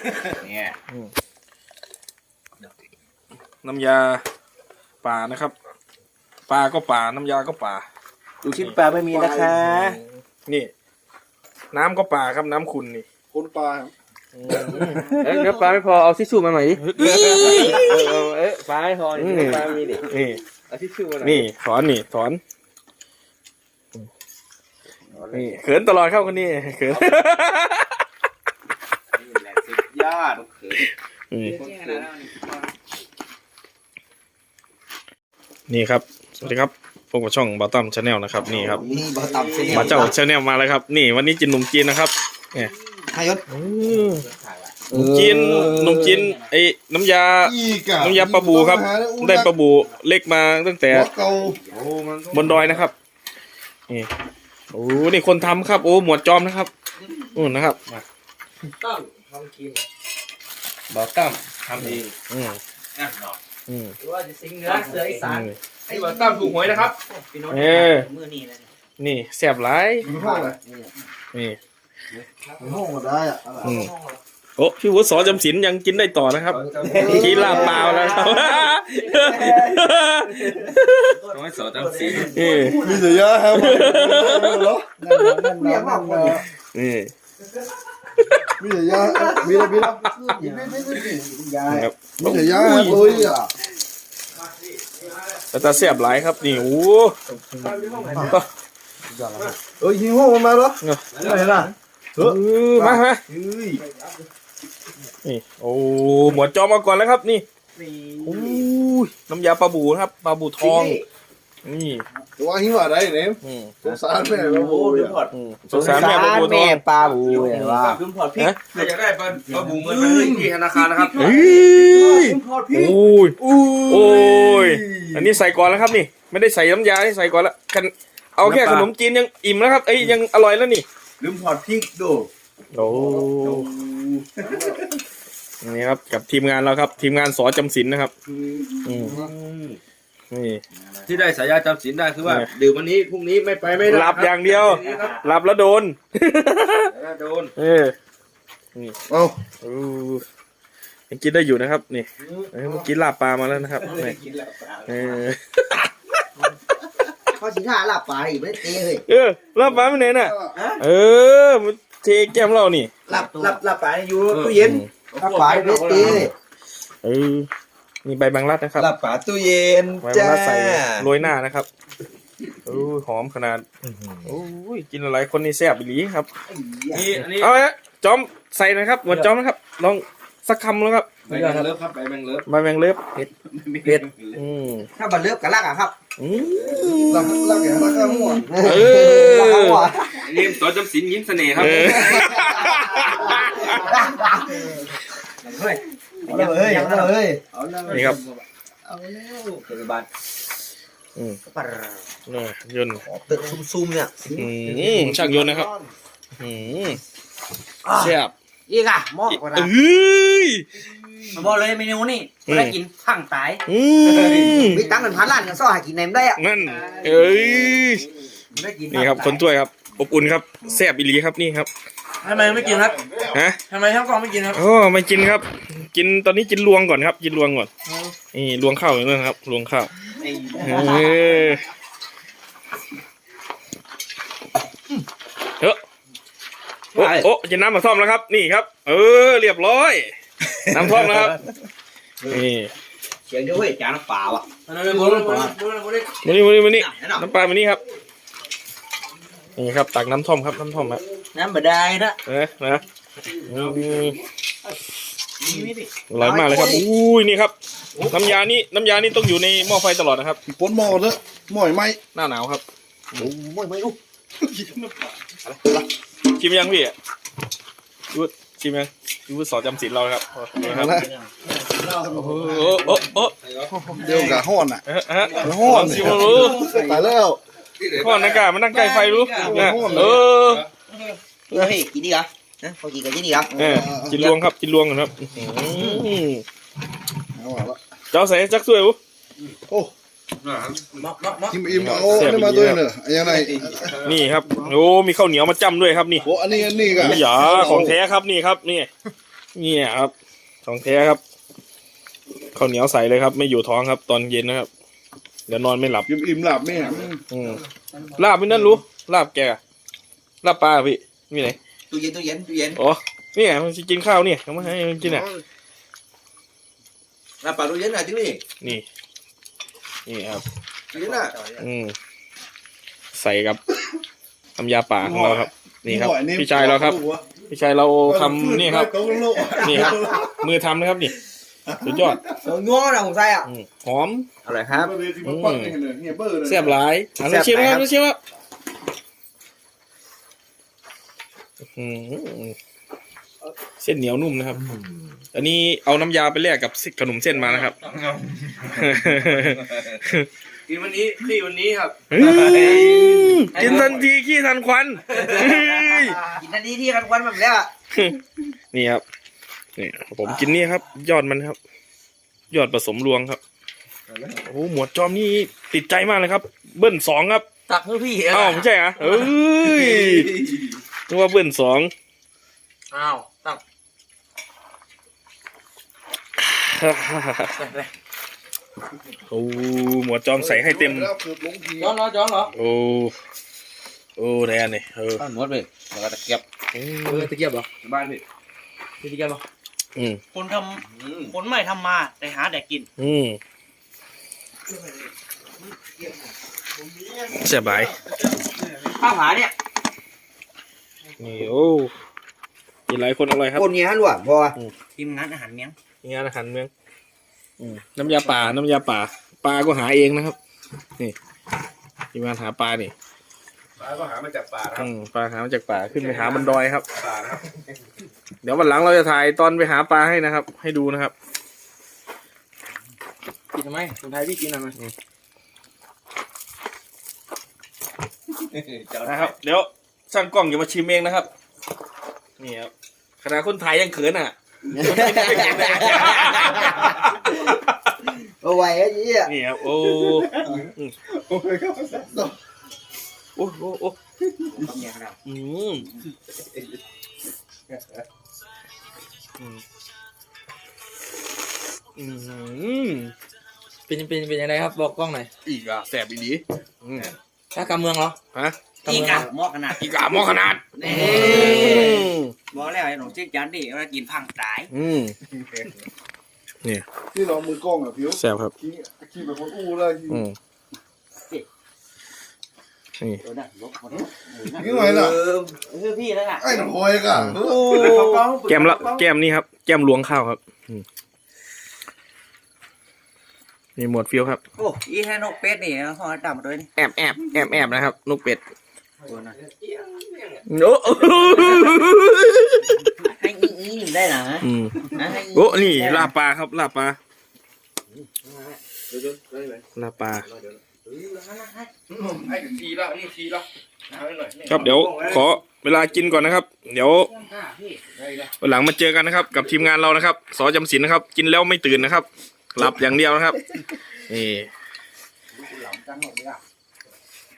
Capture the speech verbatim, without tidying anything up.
เนี่ยน้ำยาป่านะครับปลาก็ป่าน้ำยาก็ป่าลูกชิ้นปลาไม่มีนะคะนี่น้ำก็ป่าครับน้ำขุ่นนี่คนปลาเอ้ยเนื้อปลาไม่พอเอาทิชชู่มาหน่อยดิเอ้ยปลาไม่พอนี่ปลามีดินี่เอาทิชชู่มาหน่อยนี่ถอนนี่ถอนนี่เขินตลอดครับคนนี้เขินสุดยอดเขินนี่ครับสวัสดีครับพบกับช่องบาตั้มชาแนลนะครับนี่ครับบาตั้มบาเจ้าชาแนลมาแล้วครับนี่วันนี้กินขนมจีนนะครับเนี่ยให้ยศขนมจีนขนมจีนไอ้น้ำยาน้ำยาปลาบูครับได้ปลาบูเล็กมาตั้งแต่บนดอยนะครับนี่โอ้นี่คนทำครับโอ้หมวดจอมนะครับโอ้นะครับตั้มทำกินบาตั้มทำเองอืมนั่นเนาะอืมหรือว่าจะสิงเนื้อเสืออีสานไอ้บาตั้มถูกหวยนะครับเออนี่แซ่บหลายนี่ห้องมาได้อ่ะโอ้พี่วุฒิสอจำศีลยังกินได้ต่อนะครับกินลาบเปล่าแล้วครับน้อยสอจำศีลมีเสียเยอะครับเหรอนี่มีเสียเยอะมีอะไรมีอะไรมีไม่ไม่ไม่มีเสียเยอะครับโอ้ยอ่ะแต่ตาแซ่บหลายครับนี่โอ้เอ้ยหิวมาเหรออะไรล่ะเออมามานี่โอ้หมวดจอมมาก่อนแล้วครับนี่โอ้ยน้ำยาปลาบูครับปลาบูทองนี่ตัวหิวอะไรเนี่ยสงสารแม่ปลาบูสงสารแม่ปลาบูทองปลาบูเนี่ยว่าลืมพอดพริกใครอยากได้ปลาปลาบูเงินไปที่ธนาคารนะครับเฮ้ยโอ้ยโอ้ยอันนี้ใส่ก่อนแล้วครับนี่ไม่ได้ใส่น้ำยาที่ใส่ก่อนแล้วกันเอาแค่ขนมจีนยังอิ่มแล้วครับเอ้ยยังอร่อยแล้วนี่ลืมพอดพริกดูโอ้นี่ครับกับทีมงานเราครับทีมงานสอจำศีลนะครับนี่ที่ได้สายยาจำศีลได้คือว่าดื่มวันนี้พรุ่งนี้ไม่ไปไม่ได้หลับอย่างเดียวหลับแล้วโดนโดนเออนี่เอายังกินได้อยู่นะครับนี่เมื่อกี้ลาบปลามาแล้วนะครับนี่เออข้อสิท่าลาบปลาอีกไม่เตะเลยเออลาบปลาไม่ไหนน่ะเออมันเทแก้มเรานี่ลาบลาบลาบปลาอยู่ตู้เย็นลาบปลาไม่เตะเออมีใบบังลัดนะครับลาบปลาตู้เย็นจ้าใส่โรยหน้านะครับโอ้หอมขนาดโอ้ยกินอะไรคนนี้แซ่บอีหลีครับนี่อันนี้เอาละจอมใส่นะครับหมดจอมนะครับลองสักคำแล้วครับใบแมงเลิฟครับใบแมงเลิฟใบแมงเลิฟเผ็ดเผ็ดถ้าใบเลิฟกับลักอะครับลักลักอย่างลักข้าวหัวเออยิ้มสอจำศีลยิ้มเสน่ห์ครับเฮ้ยเฮ้ยเฮ้ยนี่ครับเอาแล้วเกิดบัตรอืมนี่ยนต์ตึกซุ่มๆเนี่ยอืมช่างยนต์นะครับอืมแซ่บอีกอ่ะหม้อกว่าเอ้ยบอกเลยเมนูนี่ได้กินข้างตายมีตังค์เป็นพันล้านกันซ่อหากินไหนไม่ได้อ่ะนั่นเอ้ยนี่ครับคนถ้วยครับอบอุ่นครับแซ่บอีหลีครับนี่ครับทำไมไม่กินครับฮะทำไมทั้งกองไม่กินครับโอ้ไม่กินครับกินตอนนี้กินรวงก่อนครับกินรวงก่อนนี่รวงข้าวอย่างนั้นครับรวงข้าวเออเฮ้ยโอ้โอ้กินน้ำมะท่อมแล้วครับนี่ครับเออเรียบร้อยน้ำท่อมนะครับนี่เสียงด้วยจานน้ำเปล่าอ่ะมานี่มานี่มานี่น้ำปลามานี่ครับนี่ครับตักน้ำท่อมครับน้ำท่อมครับน้ำบดได้นะเออนะอร่อยมากเลยครับอุ้ยนี่ครับน้ำยานี่น้ำยานี่ต้องอยู่ในหม้อไฟตลอดนะครับป้นหม้อเลยหม้อไหมหน้าหนาวครับโอ้หม้อไหมลูกชิมยังพี่ยูชิมยังยูสอนจำศีลเราครับนะครับโอ้โหโอ้โอ้เดี๋ยวกับห้อนอ่ะห้อนชิมรู้ตายแล้วห้อนนักกามันนั่งใกล้ไฟรู้เออเฮ้ยกินดีเหรอนะพอกินกันกินดีเหรอกินรวงครับกินรวงครับเจ้าใส่จักสวยอู้โอ้ทิมอิ่มเอาได้มาด้วยเนอะยังไงนี่ครับโอ้มีข้าวเหนียวมาจ้ำด้วยครับนี่โอ้อันนี้อันนี้กันอย่าของแท้ครับนี่ครับนี่เนี่ยครับของแท้ครับข้าวเหนียวใส่เลยครับ ไม่อยู่ท้องครับ ตอนเย็นนะครับเดี๋ยวนอนไม่หลับอิ่มอิ่มหลับแม่อืมลาบไม่นั่นรู้ลาบแกลาบปลาพี่มีไหนตู้เย็นตู้เย็นตู้เย็นอ๋อนี่ไงมันจะกินข้าวเนี่ยเอามาให้มันกินอ่ะน้ำปลาตู้เย็นหน่อยที่นี่นี่นี่ครับตู้เย็นน่ะอืมใส่กับน้ำยาป่าของเราครับ นี่ครับ พี่ชายเราครับ พี่ชายเราทำนี่ครับ นี่ครับ มือทำนะครับนี่สุดยอดง้อนะผมใส่อ่ะอืมหอมอะไรครับแซ่บหลายอันนี้ชิมครับชิมครับอืมเส้นเหนียวนุ่มนะครับ อันนี้เอาน้ำยาไปแลกกับขนมเส้นมานะครับกินวันนี้ขี้วันนี้ครับกินทันทีขี้ทันควันเฮ้ยกินนาทีที่กันควันแบบเนี้ยนี่ครับนี่ผมกินนี่ครับ ยอดมันครับ ยอดผสมรวงครับโอ้โหหมวดจอมนี่ติดใจมากเลยครับ เบิ้ลสองครับตักให้พี่อ้าวไม่ใช่เหรอเอ้ยนึกว่าเบิ้ลสองอ้าวตักโอ้หมวดจอมใส่ให้เต็มจ้องเหรอจ้องเหรอโอ้โอ้แดนนี่เออหมดเลยแล้วก็ตะเกียบอืเอมอตะเกียบเหรอบ้านพี่ตะเกียบเหรออืมคนทำคนไม่ทำมาแต่หาแต่กินอืมเสียบายข้าวผาเนี่ยนี่โอ้กินหลายคนอร่อยครับคนเนี้ยล้วนพอทีมงานอาหารเมียงนี่งานอาหารเมืองอืมน้ำยาป่าน้ำยาป่าปลาก็หาเองนะครับนี่ทีมงานหาปลานี่ปลาก็หามาจากป่าครับอืมปลาหามาจากป่าขึ้นไปหาบนดอยครับป่านะครับเดี๋ยววันหลังเราจะถ่ายตอนไปหาปลาให้นะครับ ให้ดูนะครับกินทำไมคนไทยพี่กินทำไมนะครับ เดี๋ยวช่างกล้องอย่ามาชิมเองนะครับนี่ครับขนาดคนไทยยังเขินอ่ะเอาไว้ไอ้ยี่อ่ะนี่ครับโอ้โอ้ยครับโอ้โอ้โอ้เนี่ยครับอืมอืมอืมเป็นเป็นเป็นยังไงครับบอกกล้องหน่อยอีกอ่ะแสบอีดีอืมถ้ากำเมืองเหรอฮะอีกอะหม้อขนาดอีกอ่ะหมอขนาดนี่อืมบอกแล้วไอ้หนุ่มเจ๊กจันดิว่ากินพังตายอืมที่เรามือกล้องอ่ะผิวแสบครับขี้ขี้แบบคนอู้เลยอืมนี่เออนะลบหมดขี้หน่อยล่ะเออคือพี่แล้วอ่ะไอ้หน่อยก่ะแก้มละแก้มนี่ครับ แก้มล้วงข้าวครับอืมนี่หมวดฟิวครับโอ้อีแค่นกเป็ดนี่นะห่อดำมาด้วยนี่แอบแอบแอบแอบนะครับนกเป็ดตัวนั้นโอ้ให้อีอีนี่ได้เหรออืมนะให้อีโอ้นี่ลาบปลาครับลาบปลาลาบปลาให้ถึงทีแล้วนี่ทีแล้วเอาให้หน่อยครับเดี๋ยวขอเวลากินก่อนนะครับ เดี๋ยววันหลังมาเจอกันนะครับ กับทีมงานเรานะครับสอจำศีลนะครับ กินแล้วไม่ตื่นนะครับ หลับอย่างเดียวนะครับนี่